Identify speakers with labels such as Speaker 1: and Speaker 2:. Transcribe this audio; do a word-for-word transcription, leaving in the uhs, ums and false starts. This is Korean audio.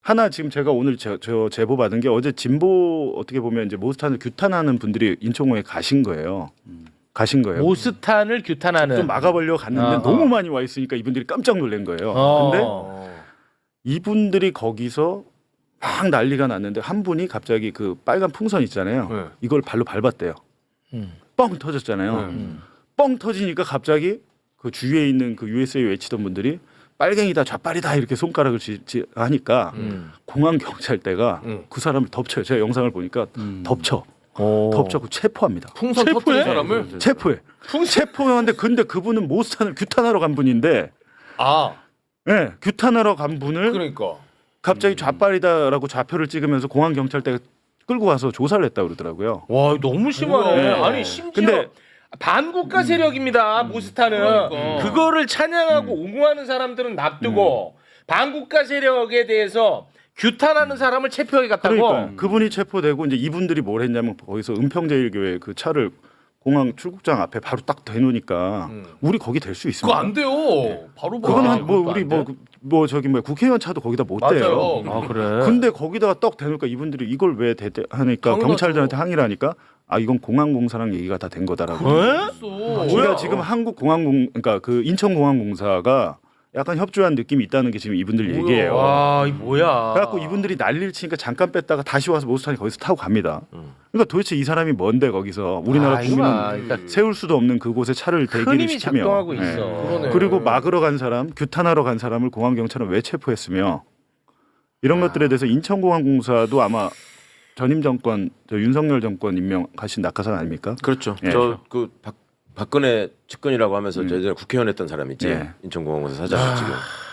Speaker 1: 하나 지금 제가 오늘 저, 저 제보 받은 게 어제 진보 어떻게 보면 이제 모스탄을 규탄하는 분들이 인천공에 가신 거예요. 음. 가신 거예요.
Speaker 2: 모스탄을 규탄하는.
Speaker 1: 좀 막아보려고 갔는데
Speaker 2: 어,
Speaker 1: 너무
Speaker 2: 어.
Speaker 1: 많이 와 있으니까 이분들이 깜짝 놀란 거예요.
Speaker 2: 어.
Speaker 1: 근데 이분들이 거기서 막 난리가 났는데 한 분이 갑자기 그 빨간 풍선 있잖아요.
Speaker 3: 네.
Speaker 1: 이걸 발로 밟았대요.
Speaker 2: 음.
Speaker 1: 뻥 터졌잖아요.
Speaker 3: 네.
Speaker 2: 음.
Speaker 1: 뻥 터지니까 갑자기 그 주위에 있는 그 유에스에이 외치던 분들이 빨갱이다 좌빨이다 이렇게 손가락을 지, 지, 하니까
Speaker 2: 음.
Speaker 1: 공항 경찰대가
Speaker 3: 음.
Speaker 1: 그 사람을 덮쳐요. 제가 영상을 보니까
Speaker 2: 음.
Speaker 1: 덮쳐.
Speaker 2: 오.
Speaker 1: 덮쳐고 체포합니다.
Speaker 3: 풍선
Speaker 2: 체포해?
Speaker 3: 터뜨린 사람을
Speaker 1: 체포해. 체포하는데 근데 그분은 모스탄을 규탄하러 간 분인데
Speaker 3: 아
Speaker 1: 네, 규탄하러 간 분을
Speaker 3: 그러니까
Speaker 1: 갑자기 좌빨이다라고 좌표를 찍으면서 공항 경찰대가 끌고 와서 조사를 했다고 그러더라고요.
Speaker 2: 와 너무 심하네.
Speaker 1: 네.
Speaker 2: 아니 심지어
Speaker 1: 근데
Speaker 2: 반국가 세력입니다. 모스탄은
Speaker 3: 그러니까.
Speaker 2: 그거를 찬양하고 옹호하는 사람들은 놔두고 반국가 세력에 대해서 규탄하는 사람을 체포해 갔다고.
Speaker 1: 그러니까 그분이 체포되고 이제 이분들이 뭘 했냐면 거기서 은평제일교회 그 차를 공항 출국장 앞에 바로 딱 대놓으니까
Speaker 3: 음.
Speaker 1: 우리 거기 될 수
Speaker 3: 그거
Speaker 1: 있습니다.
Speaker 3: 안 돼요. 바로
Speaker 1: 그거는
Speaker 3: 봐.
Speaker 1: 한 뭐
Speaker 3: 그것도
Speaker 1: 우리
Speaker 3: 안 돼?
Speaker 1: 뭐 뭐 저기 뭐 국회의원 차도 거기다 못 대요.
Speaker 3: 맞아요.
Speaker 2: 아 그래.
Speaker 1: 근데 거기다가 떡 대놓으니까 이분들이 이걸 왜 대대 하니까
Speaker 3: 당연하죠.
Speaker 1: 경찰들한테 항의를 하니까 아 이건 공항공사랑 얘기가 다 된 거다라고.
Speaker 2: 에?
Speaker 3: 없어.
Speaker 1: 우리가 지금 한국공항공 그러니까 그 인천공항공사가 약간 협조한 느낌이 있다는 게 지금 이분들
Speaker 3: 뭐야.
Speaker 1: 얘기예요.
Speaker 2: 와, 이 뭐야?
Speaker 1: 그래갖고 이분들이 난리를 치니까 잠깐 뺐다가 다시 와서 모스탄이 거기서 타고 갑니다. 그러니까 도대체 이 사람이 뭔데 거기서 우리나라
Speaker 2: 아,
Speaker 1: 국민은
Speaker 2: 이거야. 그러니까
Speaker 1: 세울 수도 없는 그곳에 차를
Speaker 2: 큰
Speaker 1: 대기를
Speaker 2: 힘이
Speaker 1: 시키며
Speaker 2: 작동하고
Speaker 1: 예.
Speaker 2: 있어.
Speaker 3: 그러네.
Speaker 1: 그리고 막으러 간 사람, 규탄하러 간 사람을 공항 경찰은 왜 체포했으며 이런 것들에 대해서 인천공항공사도 아마 전임 정권, 저 윤석열 정권 임명하신 낙하산 아닙니까?
Speaker 4: 그렇죠.
Speaker 1: 예.
Speaker 4: 저 그 박근혜 측근이라고 하면서
Speaker 1: 음.
Speaker 4: 예전에 국회의원 했던 사람 있지.
Speaker 1: 예.
Speaker 4: 인천공항공사 사장 지금.